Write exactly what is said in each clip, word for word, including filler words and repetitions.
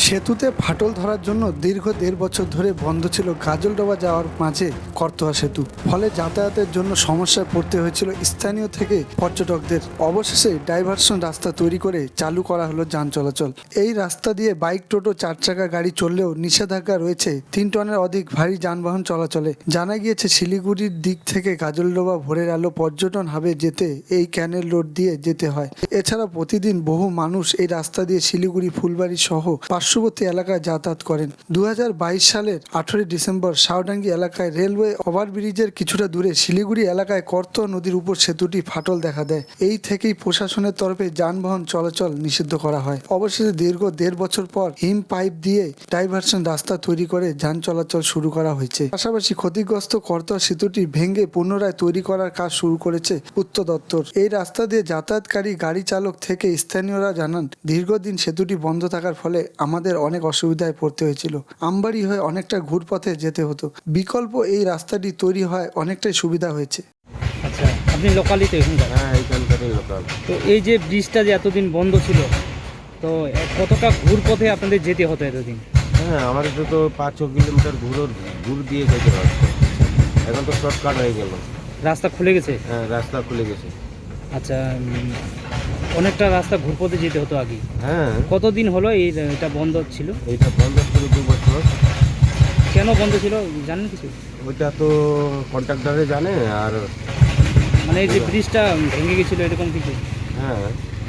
সেতুতে ফাটল ধরার জন্য দীর্ঘ দেড় বছর ধরে বন্ধ ছিল গাজলডোবা যাওয়ার মাঝে করতোয়া সেতু। ফলে যাতায়াতের জন্য সমস্যায় পড়তে হয়েছিল স্থানীয় থেকে পর্যটকদের। অবশেষে ডাইভারশন রাস্তা তৈরি করে চালু করা হলো যান চলাচল। এই রাস্তা দিয়ে বাইক, টোটো, চার চাকা গাড়ি চললেও নিষেধাজ্ঞা রয়েছে তিন টনের অধিক ভারী যানবাহন চলাচলে। জানা গিয়েছে শিলিগুড়ির দিক থেকে গাজলডোবা ভোরের আলো পর্যটন হাবে যেতে এই ক্যানেল রোড দিয়ে যেতে হয়। এছাড়া প্রতিদিন বহু মানুষ এই রাস্তা দিয়ে শিলিগুড়ি, ফুলবাড়ি সহ পার্শ্ববর্তী এলাকায় যাতায়াত করেন। দু হাজার বাইশ সালের আঠারোই ডিসেম্বর শাওডাঙ্গি এলাকায় রেলওয়ে ওভারব্রিজের কিছুটা দূরে শিলিগুড়ি এলাকায় করতোয়া নদীর উপর সেতুটি ফাটল দেখা দেয়। এই থেকেই প্রশাসনের তরফে যানবাহন চলাচল নিষিদ্ধ করা হয়। অবশেষে দীর্ঘ দেড় বছর পর হিম পাইপ দিয়ে ডাইভারশন রাস্তা তৈরি করে যান চলাচল শুরু করা হয়েছে। পাশাপাশি ক্ষতিগ্রস্ত করতোয়া সেতুটি ভেঙে পুনরায় তৈরি করার কাজ শুরু করেছে উত্তর দপ্তর। এই রাস্তা দিয়ে যাতায়াতকারী গাড়ি চালক থেকে স্থানীয়রা জানান, দীর্ঘদিন সেতুটি বন্ধ থাকার ফলে আমাদের অনেক অসুবিধায় পড়তে হয়েছিল। আমবাড়ি হয়ে অনেকটা ঘুরপথে যেতে হতো। বিকল্প এই রাস্তাটি তৈরি হয় অনেকটাই সুবিধা হয়েছে। আচ্ছা, আপনি লোকালই তো এখানকার? হ্যাঁ, এইখানকারই লোকাল। তো এই যে ব্রিজটা যে এতদিন বন্ধ ছিল, তো এ- কতটা ঘুরপথে আপনাদের যেতে হতো এতদিন? হ্যাঁ, আমাদের তো তো পাঁচ ছ কিলোমিটার ঘুরো ঘুর দিয়ে যেতে পারতো। এখন তো শর্টকাট হয়ে গেল। রাস্তা খুলে গেছে? হ্যাঁ, রাস্তা খুলে গেছে। আচ্ছা, উম, অনেকটা রাস্তা ঘুরপথে যেতে হতো আগে। হ্যাঁ, কতদিন হলো এই এটা বন্ধ ছিল? এইটা বন্ধ ছিল দু বছর। কেন বন্ধ ছিল জানেন কিছু? ওইটা তো কন্ট্রাক্টরে জানে। আর মানে এই যে ব্রিজটা ভেঙে গেছিলো এরকম কিছু? হ্যাঁ,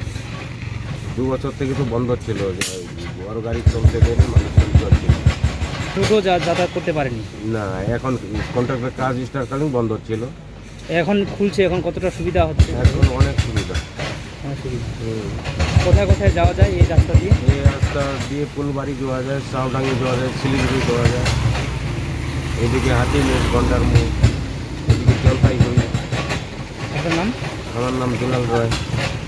দু বছর থেকে তো বন্ধ ছিল, যে বড় গাড়ি চলতে দেয়নি, মানুষ চলতে পারছিল না। টোটো যা- যাতায়াত করতে পারেনি। না, এখন কন্ট্রাক্টর কাজ স্টার্টকালীন বন্ধ ছিল। এখন খুলছে, এখন কতটা সুবিধা হচ্ছে? এখন অনেক সুবিধা। অনেক সুবিধা। হুম। কোথায় কোথায় যাওয়া যায় এই রাস্তা দিয়ে? এই রাস্তা দিয়ে ফুলবাড়ি যাওয়া যায়, শাওডাঙ্গি যাওয়া যায়, শিলিগুড়ি যাওয়া যায়, এদিকে হাতিমুখ, গন্ডার মুখ, এদিকে জলপাইগুড়ি। আপনার নাম? আমার নাম দুলাল রায়।